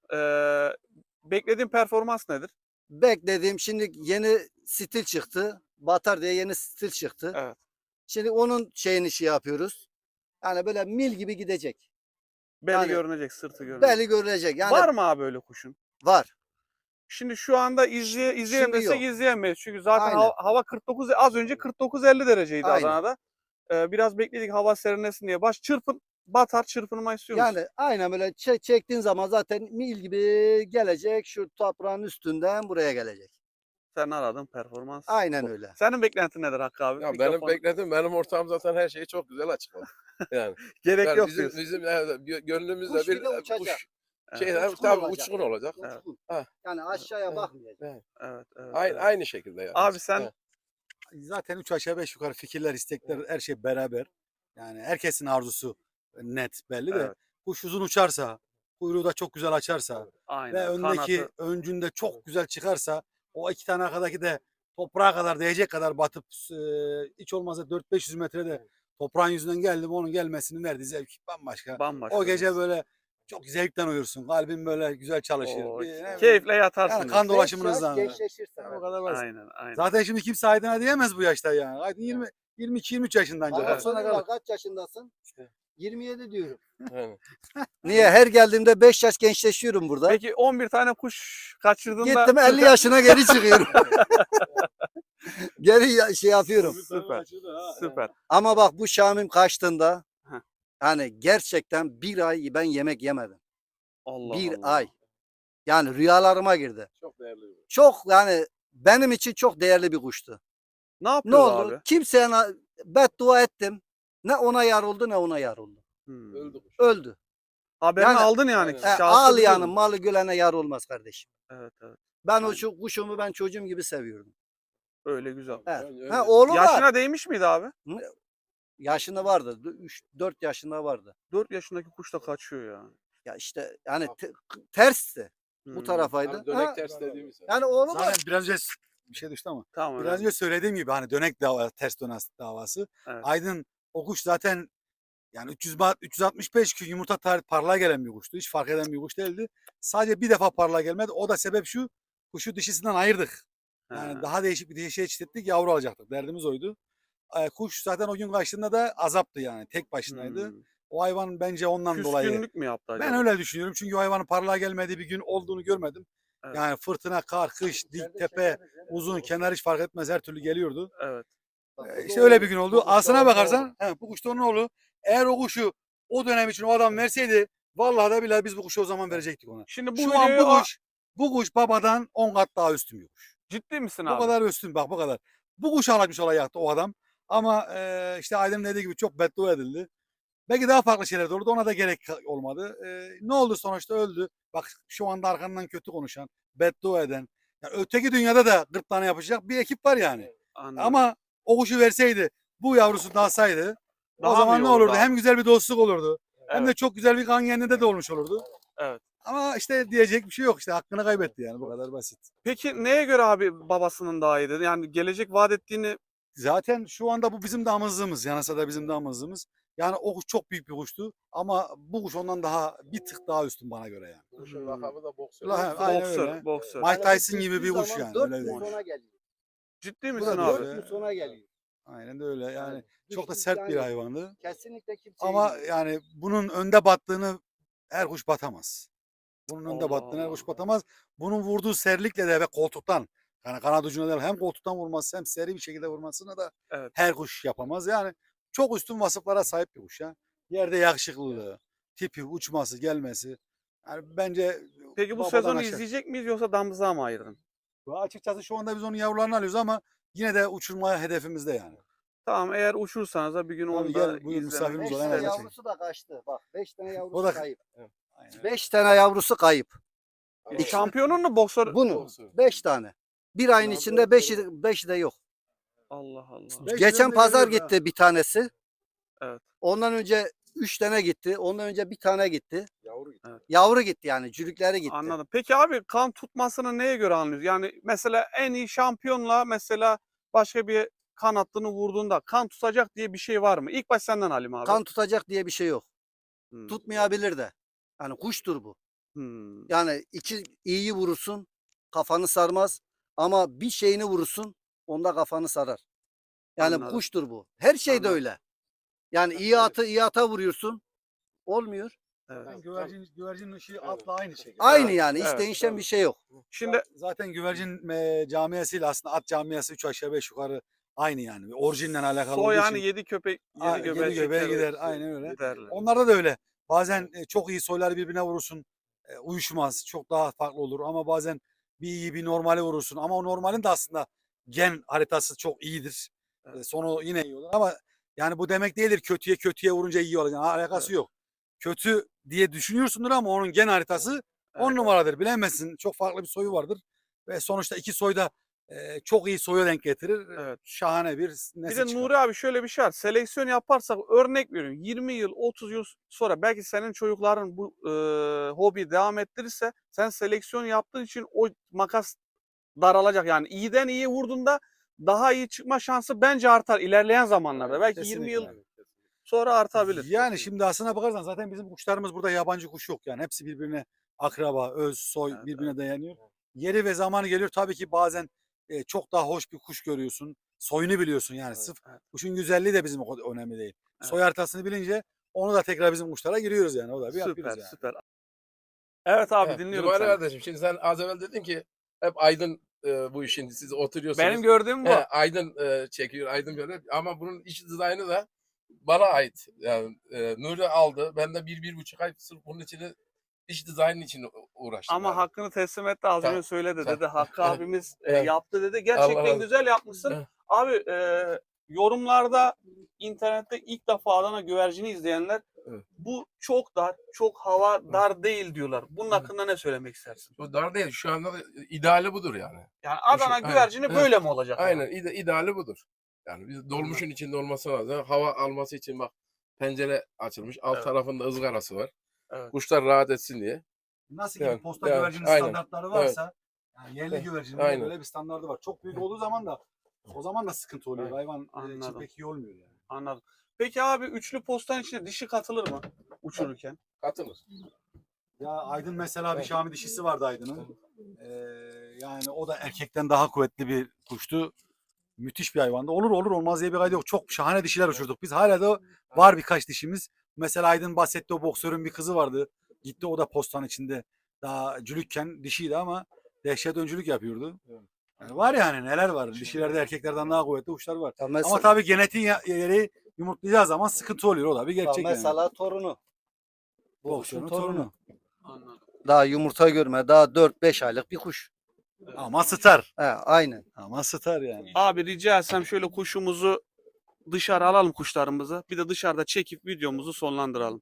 Speaker 2: Beklediğin performans nedir?
Speaker 1: Beklediğim şimdi yeni stil çıktı. Batar diye yeni stil çıktı.
Speaker 2: Evet.
Speaker 1: Şimdi onun şeyini yapıyoruz. Yani böyle mil gibi gidecek.
Speaker 2: Beli
Speaker 1: Yani
Speaker 2: görünecek, sırtı görünecek.
Speaker 1: Belli görülecek. Yani
Speaker 2: Var mı abi öyle kuşun?
Speaker 1: var.
Speaker 2: Şimdi şu anda izleyelim
Speaker 1: Şimdi
Speaker 2: desek
Speaker 1: yok.
Speaker 2: izleyemeyiz. Çünkü zaten
Speaker 1: Aynen.
Speaker 2: hava 49, az önce 49-50 dereceydi
Speaker 1: Aynen.
Speaker 2: Adana'da. Biraz bekledik hava serinlesin diye. Batar çırpınma istiyor musun?
Speaker 1: Yani aynen böyle çektiğin zaman zaten mil gibi gelecek. Şu toprağın üstünden buraya gelecek.
Speaker 2: Sen aradın performans.
Speaker 1: Aynen
Speaker 2: bu.
Speaker 1: öyle.
Speaker 2: Senin beklentin nedir Hakkı abi?
Speaker 3: Ya benim
Speaker 2: Mikrofonu-
Speaker 3: bekledim, benim ortağım zaten her şeyi çok güzel açıkladı. Yani,
Speaker 2: Gerek
Speaker 3: yani
Speaker 2: yok
Speaker 3: bizim,
Speaker 2: diyorsun.
Speaker 3: bizim gönlümüzde
Speaker 1: Kuş
Speaker 3: bir
Speaker 1: bir de uçacak.
Speaker 3: kuş
Speaker 2: Evet.
Speaker 3: şey
Speaker 1: Uçkun
Speaker 3: tabii
Speaker 1: olacak.
Speaker 3: uçkun olacak.
Speaker 2: Evet.
Speaker 1: Uçkun.
Speaker 3: Ha.
Speaker 1: Yani aşağıya
Speaker 3: Evet.
Speaker 1: bakmayacak.
Speaker 3: Evet.
Speaker 2: Evet, evet,
Speaker 3: Aynı,
Speaker 2: evet.
Speaker 3: aynı şekilde yani.
Speaker 2: Abi sen
Speaker 3: Evet.
Speaker 4: Zaten 3 aşağı 5 yukarı fikirler, istekler her şey beraber. Yani herkesin arzusu net belli de.
Speaker 2: Evet.
Speaker 4: Kuş uzun uçarsa, kuyruğu da çok güzel açarsa ve
Speaker 2: aynen
Speaker 4: öndeki
Speaker 2: kanatı
Speaker 4: öncünde çok güzel çıkarsa o 2 tane arkadaki de toprağa kadar değecek kadar batıp hiç olmazsa 400-500 metrede toprağın yüzünden geldi mi onun gelmesinin verdiği zevk bambaşka.
Speaker 2: bambaşka.
Speaker 4: O gece
Speaker 2: diyorsun.
Speaker 4: böyle çok zevkten uyursun. Kalbin böyle güzel çalışır.
Speaker 2: Oo,
Speaker 4: Ne bileyim,
Speaker 2: keyifle yatarsın.
Speaker 4: yani kan
Speaker 2: diyorsun.
Speaker 4: dolaşımın
Speaker 1: Beş yaş
Speaker 4: hızlanır.
Speaker 1: gençleşirsen.
Speaker 4: O kadar basit.
Speaker 2: Aynen, aynen.
Speaker 4: Zaten şimdi kimse Aydın'a diyemez bu yaşta yani. Aydın 22-23 yaşından
Speaker 1: Bana
Speaker 2: Evet.
Speaker 1: soruyorlar kaç yaşındasın? 27 diyorum.
Speaker 3: Yani.
Speaker 1: Niye? Her geldiğimde 5 yaş gençleşiyorum burada.
Speaker 2: Peki 11 tane kuş kaçırdığında
Speaker 1: Gittim 50 yaşına geri çıkıyorum. Şey yapıyorum.
Speaker 2: Süper. Süper.
Speaker 1: Ama bak bu Şamim kaçtığında
Speaker 2: Heh.
Speaker 1: hani gerçekten bir ay ben yemek yemedim.
Speaker 2: Allah
Speaker 1: Bir
Speaker 2: Allah.
Speaker 1: ay. Yani rüyalarıma girdi.
Speaker 3: Çok değerli bir kuş.
Speaker 1: Çok yani benim için çok değerli bir kuştu.
Speaker 2: Ne
Speaker 1: Ne
Speaker 2: yapıyor
Speaker 1: oldu?
Speaker 2: abi?
Speaker 1: Kimseye beddua ettim. Ne ona yar oldu ne ona yar oldu.
Speaker 2: Hmm.
Speaker 3: Öldü kuş.
Speaker 1: Öldü.
Speaker 2: Haberini
Speaker 1: Yani-
Speaker 2: aldın yani.
Speaker 3: Aynen.
Speaker 2: Şahsı
Speaker 1: Ağlayanın
Speaker 2: biliyorum.
Speaker 1: malı gülene yar olmaz kardeşim.
Speaker 2: Evet, evet.
Speaker 1: Ben
Speaker 2: Aynen.
Speaker 1: o kuşumu ben çocuğum gibi seviyordum.
Speaker 2: Öyle güzel.
Speaker 1: Evet.
Speaker 3: Öyle-
Speaker 1: Ha, oğlum var.
Speaker 2: Yaşına değmiş miydi abi?
Speaker 1: Yaşında vardı. 3-4 yaşında vardı.
Speaker 2: 4 yaşındaki kuş da kaçıyor ya.
Speaker 1: Ya işte yani tersti. Bu
Speaker 2: Hmm.
Speaker 1: tarafaydı.
Speaker 3: Hani dönek
Speaker 1: Ha,
Speaker 3: ters dediğimiz.
Speaker 1: yani oğlum var.
Speaker 4: Zaten biraz önce bir şey düştü ama.
Speaker 2: Tamam.
Speaker 4: Biraz
Speaker 2: önemli.
Speaker 4: önce söylediğim gibi hani dönek ters dönes davası.
Speaker 2: Evet.
Speaker 4: Aydın o kuş zaten yani 365 gün yumurta parlağa gelen bir kuştu. Hiç fark eden bir kuş değildi. Sadece bir defa parlağa gelmedi. O da sebep şu. Kuşu dişisinden ayırdık. Yani
Speaker 2: Ha.
Speaker 4: daha değişik bir dişiye çiftlettik, yavru alacaktık. Derdimiz oydu. Kuş zaten o gün kaçtığında da azaptı yani. Tek başınaydı.
Speaker 2: Hmm.
Speaker 4: O hayvan bence ondan dolayı.
Speaker 2: Küskünlük mü yaptı acaba?
Speaker 4: Ben öyle düşünüyorum. Çünkü o hayvanın parlağa gelmediği bir gün olduğunu görmedim.
Speaker 2: Evet.
Speaker 4: Yani fırtına, kar, kış, dik tepe, uzun, kenar hiç fark etmez her türlü geliyordu.
Speaker 2: Evet.
Speaker 4: İşte öyle bir gün oldu. Aslına bakarsan bu kuş da onun oğlu. Eğer o kuşu o dönem için o adam verseydi vallahi da billahi biz bu kuşu o zaman verecektik ona.
Speaker 2: Şimdi bu
Speaker 4: Şu an
Speaker 2: videoyu
Speaker 4: bu kuş babadan 10 kat daha üstün bir kuş.
Speaker 2: ciddi misin
Speaker 4: Bu
Speaker 2: abi?
Speaker 4: kadar üstün bak bu kadar. Bu kuş alakmış olacaktı o adam. Ama işte Aydın'ın dediği gibi çok beddua edildi. Belki daha farklı şeyler de olurdu. Ona da gerek olmadı. Ne oldu sonuçta öldü. Bak şu anda arkandan kötü konuşan, beddua eden. Yani öteki dünyada da gırtlağına yapacak bir ekip var yani.
Speaker 2: Anladım.
Speaker 4: Ama o kuşu verseydi, bu yavrusu dağsaydı
Speaker 2: Daha
Speaker 4: o
Speaker 2: mı
Speaker 4: zaman
Speaker 2: iyi
Speaker 4: ne
Speaker 2: olurdu
Speaker 4: olurdu?
Speaker 2: abi?
Speaker 4: Hem güzel bir dostluk olurdu. Hem de
Speaker 2: Evet.
Speaker 4: çok güzel bir kan kendinde de olmuş olurdu.
Speaker 2: Evet.
Speaker 4: Ama işte diyecek bir şey yok. İşte hakkını kaybetti yani bu kadar basit.
Speaker 2: Peki neye göre abi babasının daha iyiydi? Yani gelecek vaat ettiğini
Speaker 4: Zaten şu anda bu bizim damızlığımız. Yanasa da bizim damızlığımız. Yani o kuş çok büyük bir kuştu. Ama bu kuş ondan daha bir tık daha üstün bana göre yani.
Speaker 3: Kuşun lakabı da boksör.
Speaker 4: Aynen
Speaker 2: boksör,
Speaker 4: öyle.
Speaker 2: boksör.
Speaker 4: Mike Tyson gibi bir kuş yani.
Speaker 1: 4
Speaker 4: Öyle
Speaker 1: gün
Speaker 4: değil.
Speaker 1: sonra geliyor.
Speaker 2: Ciddi
Speaker 4: Bu
Speaker 2: misin
Speaker 4: da
Speaker 2: abi?
Speaker 4: böyle.
Speaker 1: 4 gün sonra geliyor.
Speaker 4: Aynen de öyle. Yani
Speaker 1: Yani
Speaker 4: çok da
Speaker 1: hiç
Speaker 4: sert bir
Speaker 1: yani
Speaker 4: hayvandı.
Speaker 1: Kesinlikle kimse
Speaker 4: Ama yani bunun önde battığını her kuş batamaz. Bunun önde
Speaker 2: Allah
Speaker 4: battığını her
Speaker 2: Allah.
Speaker 4: kuş batamaz. Bunun vurduğu serlikle de ve koltuktan Yani kanat ucuna değil, hem koltuktan vurması hem seri bir şekilde vurmasını da
Speaker 2: Evet.
Speaker 4: her kuş yapamaz. Yani çok üstün vasıflara sahip bir kuş ya. Yerde yakışıklılığı, tipi, uçması, gelmesi. Yani bence
Speaker 2: Peki bu
Speaker 4: babadan
Speaker 2: sezonu
Speaker 4: aşağı.
Speaker 2: izleyecek miyiz yoksa damızlığa mı ayırdın?
Speaker 4: Açıkçası şu anda biz onun yavrularını alıyoruz ama yine de uçurmaya hedefimizde yani.
Speaker 2: Tamam, eğer uçursanız da bir gün
Speaker 4: Tabii
Speaker 2: onu
Speaker 4: gel,
Speaker 2: da
Speaker 4: buyur,
Speaker 2: izlemek
Speaker 4: misafirimiz
Speaker 1: 5
Speaker 4: ol,
Speaker 1: tane
Speaker 4: hemen
Speaker 2: isteriz.
Speaker 4: açayım.
Speaker 1: yavrusu da kaçtı. Bak 5 tane yavrusu
Speaker 4: O da
Speaker 1: kayıp.
Speaker 4: Aynen.
Speaker 1: 5 tane yavrusu kayıp.
Speaker 2: E, şampiyonun mu boksör?
Speaker 1: Bunun
Speaker 3: Olsun.
Speaker 1: 5 tane. Bir ayın
Speaker 3: Ya
Speaker 1: içinde
Speaker 3: böyle
Speaker 1: 5'i de yok.
Speaker 2: Allah Allah.
Speaker 4: Beş
Speaker 1: Geçen
Speaker 4: üzerinde
Speaker 1: pazar
Speaker 4: geliyor
Speaker 1: gitti bir tanesi.
Speaker 2: Evet.
Speaker 1: Ondan önce 3 tane gitti. Ondan önce bir tane gitti.
Speaker 3: Yavru gitti.
Speaker 1: Yavru gitti yani. Cülükleri gitti.
Speaker 2: Anladım. Peki abi, kan tutmasını neye göre anlıyoruz? Yani mesela en iyi şampiyonla mesela başka bir kan hattını vurduğunda kan tutacak diye bir şey var mı? İlk baş senden Halim abi.
Speaker 1: Kan tutacak diye bir şey yok.
Speaker 2: Hmm.
Speaker 1: Tutmayabilir de. Yani kuştur bu.
Speaker 2: Hmm.
Speaker 1: Yani iki iyiyi vurursun kafanı sarmaz. Ama bir şeyini vurursun onda kafanı sarar. Yani
Speaker 2: Anladım.
Speaker 1: kuştur bu. Her şey de
Speaker 2: Anladım.
Speaker 1: öyle. Yani iyi atı iyi ata vuruyorsun. Olmuyor.
Speaker 2: Evet.
Speaker 4: Yani güvercin ışığı atla aynı şekilde.
Speaker 1: Aynı
Speaker 2: Evet,
Speaker 1: yani. Hiç
Speaker 2: evet,
Speaker 1: değişen
Speaker 3: tabii.
Speaker 1: bir şey yok.
Speaker 2: Şimdi
Speaker 4: Zaten güvercin camiasıyla aslında at camiası 3 aşağı 5 yukarı aynı yani. Orijinle alakalı
Speaker 2: soy
Speaker 4: olduğu
Speaker 2: yani
Speaker 4: için.
Speaker 2: 7 köpek, 7
Speaker 4: Yedi
Speaker 2: göbeğe
Speaker 4: göbeğe
Speaker 2: çeker.
Speaker 4: gider. Aynen öyle.
Speaker 2: Giderler.
Speaker 4: Onlarda da öyle. Bazen çok iyi soyları birbirine vurursun. Uyuşmaz. Çok daha farklı olur. Ama bazen bir iyi bir normali vurursun. Ama o normalin de aslında gen haritası çok iyidir.
Speaker 2: Evet.
Speaker 4: Sonu yine iyi olur. Ama yani bu demek değildir kötüye vurunca iyi olacak. Yani alakası
Speaker 2: Evet.
Speaker 4: yok. Kötü diye düşünüyorsundur ama onun gen haritası 10
Speaker 2: Evet.
Speaker 4: numaradır. Bilemezsin. Çok farklı bir soyu vardır. Ve sonuçta iki soy da çok iyi soya denk getirir.
Speaker 2: Evet.
Speaker 4: Şahane bir
Speaker 2: Bir
Speaker 4: nesil
Speaker 2: de
Speaker 4: çıkar.
Speaker 2: Nuri abi, şöyle bir şey var. Seleksiyon yaparsak, örnek veriyorum, 20 yıl 30 yıl sonra belki senin çocukların bu hobi devam ettirirse, sen seleksiyon yaptığın için o makas daralacak. Yani iyiden iyi vurduğunda daha iyi çıkma şansı bence artar ilerleyen zamanlarda. Belki 20 yıl
Speaker 4: Kesinlikle.
Speaker 2: sonra artabilir.
Speaker 4: Yani şimdi aslına bakarsan zaten bizim kuşlarımız burada yabancı kuş yok. Yani hepsi birbirine akraba, öz, soy
Speaker 2: Evet,
Speaker 4: birbirine dayanıyor. Yeri ve zamanı geliyor tabii ki bazen çok daha hoş bir kuş görüyorsun. Soyunu biliyorsun yani. Sırf
Speaker 2: evet.
Speaker 4: kuşun güzelliği de bizim o kadar önemli değil.
Speaker 2: Evet.
Speaker 4: Soy haritasını bilince onu da tekrar bizim kuşlara giriyoruz yani. O da bir
Speaker 2: Süper,
Speaker 4: yapıyoruz yani.
Speaker 2: süper. Evet abi,
Speaker 3: Evet,
Speaker 2: dinliyorum
Speaker 3: Cumali
Speaker 2: seni.
Speaker 3: kardeşim, şimdi sen az evvel dedin ki hep Aydın bu işin, siz oturuyorsunuz.
Speaker 2: Benim gördüğüm bu.
Speaker 3: Aydın çekiyor, Aydın böyle. Ama bunun iç dizaynı da bana ait. Yani Nuri aldı. Ben de 1-1,5 ay sırf bunun için, iç dizaynın için uğraştım.
Speaker 2: Ama
Speaker 3: yani.
Speaker 2: hakkını teslim etti, az önce söyledi dedi. Hakkı
Speaker 3: Evet.
Speaker 2: abimiz
Speaker 3: Evet.
Speaker 2: yaptı dedi.
Speaker 3: Allah
Speaker 2: Gerçekten
Speaker 3: razı
Speaker 2: güzel yapmışsın.
Speaker 3: Evet.
Speaker 2: Abi yorumlarda, internette ilk defa Adana güvercini izleyenler
Speaker 3: Evet.
Speaker 2: bu çok dar, çok hava dar değil diyorlar. Bunun
Speaker 3: Evet.
Speaker 2: hakkında ne söylemek istersin?
Speaker 3: Bu dar değil. Şu anda da ideali budur yani.
Speaker 2: Yani Adana
Speaker 3: Aynen.
Speaker 2: güvercini
Speaker 3: Evet.
Speaker 2: böyle mi olacak? ama?
Speaker 3: Aynen. İdeali budur. Yani biz dolmuşun içinde olması lazım. Hava alması için bak, pencere açılmış. Alt
Speaker 2: Evet.
Speaker 3: tarafında ızgarası var.
Speaker 2: Evet.
Speaker 3: Kuşlar rahat etsin diye.
Speaker 4: Nasıl
Speaker 3: Yani,
Speaker 4: ki posta
Speaker 3: yani,
Speaker 4: güvercinin
Speaker 3: aynen.
Speaker 4: standartları varsa yani yerli
Speaker 3: Evet,
Speaker 4: güvercinin de
Speaker 3: aynen.
Speaker 4: böyle bir standardı var. Çok büyük olduğu zaman da o zaman da sıkıntı oluyor.
Speaker 3: Evet.
Speaker 4: Hayvan için
Speaker 2: Anladım.
Speaker 4: pek iyi olmuyor yani.
Speaker 2: Anladım. Peki abi, üçlü postan içine dişi katılır mı uçururken?
Speaker 3: Katılır.
Speaker 4: Ya Aydın mesela bir Şami dişisi vardı Aydın'ın. Yani o da erkekten daha kuvvetli bir kuştu. Müthiş bir hayvandı. Olur olmaz diye bir kaydı yok. Çok şahane dişiler uçurduk. Biz hala da var birkaç dişimiz. Mesela Aydın bahsetti, o boksörün bir kızı vardı. Gitti, o da postan içinde. Daha cülükken dişiydi ama dehşet öncülük yapıyordu. Yani var yani, neler var. Dişilerde erkeklerden daha kuvvetli kuşlar var.
Speaker 1: Ya
Speaker 4: Ama tabii genetiğin yeri yumurtlayacağı zaman sıkıntı oluyor. O da bir
Speaker 1: bak
Speaker 4: gerçek yani.
Speaker 1: mesela torunu. Bu
Speaker 4: Boksörün
Speaker 1: kuşun torunu.
Speaker 2: Anladım.
Speaker 1: Daha yumurta görme. Daha 4-5 aylık bir kuş.
Speaker 4: Ama star.
Speaker 1: He, aynen.
Speaker 4: Ama star yani.
Speaker 2: Abi rica etsem şöyle kuşumuzu dışarı alalım, kuşlarımızı. Bir de dışarıda çekip videomuzu sonlandıralım.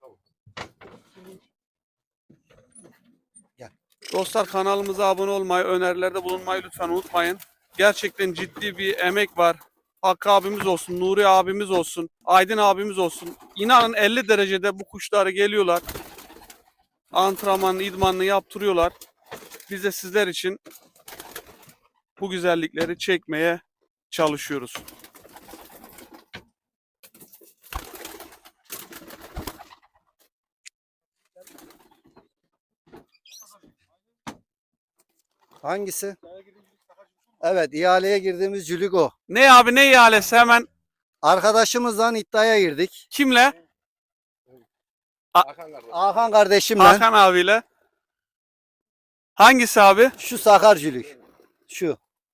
Speaker 1: Gel.
Speaker 2: Dostlar, kanalımıza abone olmayı, önerilerde bulunmayı lütfen unutmayın. Gerçekten ciddi bir emek var. Hakkı abimiz olsun, Nuri abimiz olsun, Aydın abimiz olsun. İnanın 50 derecede bu kuşları geliyorlar. Antrenmanını, idmanını yaptırıyorlar. Biz de sizler için bu güzellikleri çekmeye çalışıyoruz.
Speaker 1: Hangisi? Evet, ihaleye girdiğimiz cülük o.
Speaker 2: Ne abi, ne ihalesi, hemen
Speaker 1: Arkadaşımızla iddiaya girdik.
Speaker 2: kimle?
Speaker 3: Hakan kardeşim.
Speaker 1: Hakan kardeşimle.
Speaker 2: Hakan abiyle. Hangisi abi?
Speaker 1: Şu sakar cülük. Şu.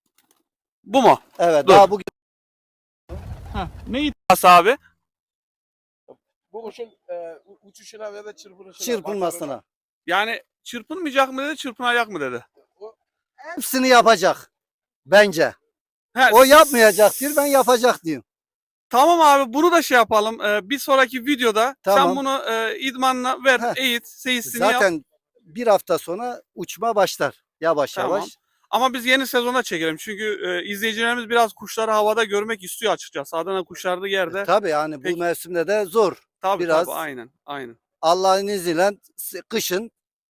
Speaker 2: Bu mu?
Speaker 1: Evet,
Speaker 2: Dur.
Speaker 1: daha bugün
Speaker 2: Ne iddiası abi?
Speaker 3: Bu kuşun uçuşuna ve de çırpınışına.
Speaker 1: çırpınmasına.
Speaker 2: Yani çırpınmayacak mı dedi, çırpınacak mı dedi.
Speaker 1: Hepsini yapacak. Bence.
Speaker 2: He,
Speaker 1: O yapmayacak diyor, ben yapacak diyorum.
Speaker 2: Tamam abi, bunu da şey yapalım. Bir sonraki videoda sen
Speaker 1: Tamam.
Speaker 2: bunu idmanla ver,
Speaker 1: Heh.
Speaker 2: eğit, seyisini yap.
Speaker 1: Zaten bir hafta sonra uçma başlar. Yavaş
Speaker 2: Tamam.
Speaker 1: yavaş.
Speaker 2: Ama biz yeni sezonda çekelim. Çünkü izleyicilerimiz biraz kuşları havada görmek istiyor açıkçası. Adana kuşları yerde.
Speaker 1: Tabii yani bu
Speaker 2: Peki.
Speaker 1: mevsimde de zor.
Speaker 2: Tabii
Speaker 1: biraz-
Speaker 2: tabii, aynen. Aynen.
Speaker 1: Allah'ın izniyle kışın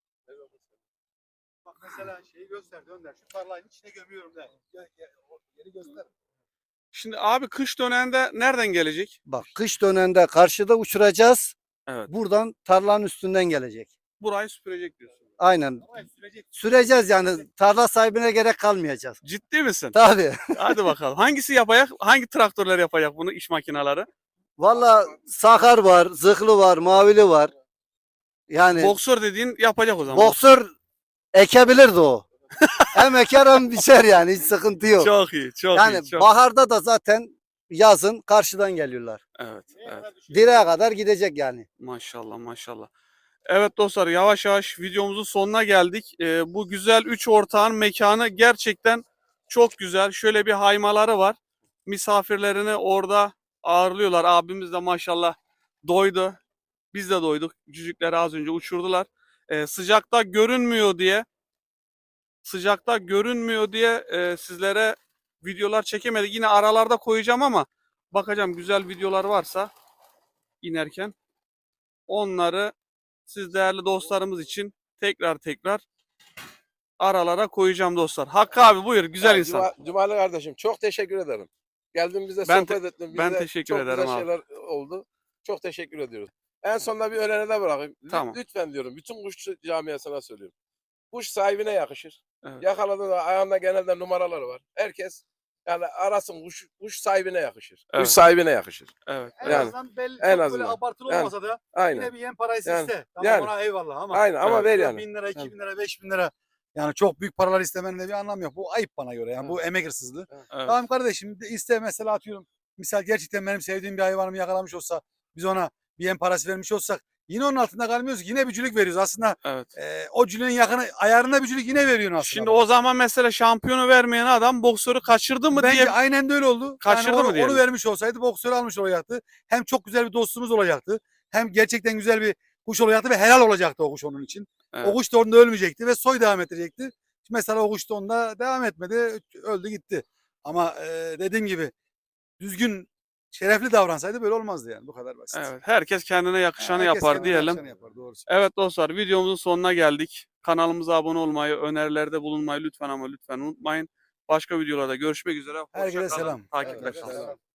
Speaker 4: Bak mesela şeyi göster Önder. Şu tarlanın içine gömüyorum de. Yeri göster.
Speaker 2: Şimdi abi kış döneminde nereden gelecek?
Speaker 1: bak kış döneminde karşıda uçuracağız.
Speaker 2: Evet.
Speaker 1: Buradan tarlanın üstünden gelecek.
Speaker 2: Burayı süpürecek diyorsun.
Speaker 1: Aynen. Süreceğiz yani. Tarla sahibine gerek kalmayacak.
Speaker 2: Ciddi misin?
Speaker 1: Tabii.
Speaker 2: Hadi bakalım. Hangisi yapacak? Hangi traktörler yapacak bunu, iş makineleri?
Speaker 1: Valla sakar var, zıhlı var, mavili var. Yani
Speaker 2: Boksör dediğin yapacak o zaman.
Speaker 1: boksör ekebilirdi o. Hem eker hem biçer yani, hiç sıkıntı yok.
Speaker 2: Çok iyi, çok
Speaker 1: Yani
Speaker 2: iyi. Çok...
Speaker 1: baharda da zaten yazın karşıdan geliyorlar.
Speaker 2: Evet, evet.
Speaker 1: Direğe kadar gidecek yani.
Speaker 2: Maşallah, maşallah. Evet dostlar, yavaş yavaş videomuzun sonuna geldik. Bu güzel 3 ortağın mekanı gerçekten çok güzel. Şöyle bir haymaları var. Misafirlerini orada ağırlıyorlar. Abimiz de maşallah doydu. Biz de doyduk. Cücükleri az önce uçurdular. Sıcakta görünmüyor diye sizlere videolar çekemedik. Yine aralarda koyacağım ama bakacağım, güzel videolar varsa inerken onları siz değerli dostlarımız için tekrar aralara koyacağım dostlar. Hakkı abi buyur, güzel insan.
Speaker 3: Cumali kardeşim çok teşekkür ederim. Geldin bize
Speaker 2: Ben
Speaker 3: sohbet ettin.
Speaker 2: ben
Speaker 3: Bize
Speaker 2: teşekkür
Speaker 3: çok
Speaker 2: ederim
Speaker 3: güzel
Speaker 2: abi.
Speaker 3: şeyler oldu. Çok teşekkür ediyoruz. En sonunda bir öneride bırakayım.
Speaker 2: Tamam.
Speaker 3: Lütfen diyorum, bütün kuşçu camiasına söylüyorum. Kuş sahibine yakışır.
Speaker 2: Evet.
Speaker 3: Yakaladığında ayağında genelde numaraları var. Herkes yani arasın, kuş sahibine yakışır.
Speaker 2: Evet.
Speaker 3: Kuş sahibine yakışır.
Speaker 2: Evet.
Speaker 4: En
Speaker 3: Yani,
Speaker 4: azından belli,
Speaker 3: en
Speaker 4: çok
Speaker 3: azından.
Speaker 4: böyle abartılı
Speaker 3: Yani,
Speaker 4: olmasa da
Speaker 3: Aynen.
Speaker 4: yine bir yem parası
Speaker 3: Yani,
Speaker 4: iste. Tamam
Speaker 3: yani.
Speaker 4: ona eyvallah ama.
Speaker 3: Aynen ama
Speaker 2: Evet.
Speaker 3: ver
Speaker 4: Böyle
Speaker 3: yani.
Speaker 4: 1000 lira, 2000
Speaker 3: Yani.
Speaker 4: lira, 5000 lira. Yani çok büyük paralar istemenin de bir anlamı yok. Bu ayıp bana göre. Yani bu emek hırsızlığı.
Speaker 2: Evet.
Speaker 4: Tamam kardeşim iste mesela atıyorum. Misal gerçekten benim sevdiğim bir hayvanımı yakalamış olsa biz ona bir yem parası vermiş olsak yine onun altında kalmıyoruz. Yine bir cülük veriyoruz. Aslında
Speaker 2: Evet.
Speaker 4: o cülüğün yakını ayarında bir cülük yine veriyorsun aslında.
Speaker 2: Şimdi o zaman mesela şampiyonu vermeyen adam boksörü kaçırdı mı
Speaker 4: Bence
Speaker 2: diye
Speaker 4: aynen de öyle oldu.
Speaker 2: Kaçırdı
Speaker 4: yani
Speaker 2: mı diyelim?
Speaker 4: onu vermiş olsaydı boksörü almış olacaktı. Hem çok güzel bir dostumuz olacaktı. Hem gerçekten güzel bir kuş olacaktı ve helal olacaktı o kuş onun için.
Speaker 2: Evet.
Speaker 4: O kuş da onda ölmeyecekti ve soy devam edecekti. Mesela o kuş da onda devam etmedi. Öldü gitti. Ama dediğim gibi düzgün şerefli davransaydı böyle olmazdı yani. Bu kadar basit.
Speaker 2: Evet, herkes kendine yakışanı
Speaker 4: Herkes
Speaker 2: yapar
Speaker 4: kendine
Speaker 2: diyelim.
Speaker 4: yakışanı yapar, doğru.
Speaker 2: Evet dostlar, videomuzun sonuna geldik. Kanalımıza abone olmayı, önerilerde bulunmayı lütfen ama lütfen unutmayın. Başka videolarda görüşmek üzere. Hoşça
Speaker 4: Herkese
Speaker 2: kalın.
Speaker 4: selam.
Speaker 2: Takipte
Speaker 3: Evet,
Speaker 2: kalın.
Speaker 3: selam.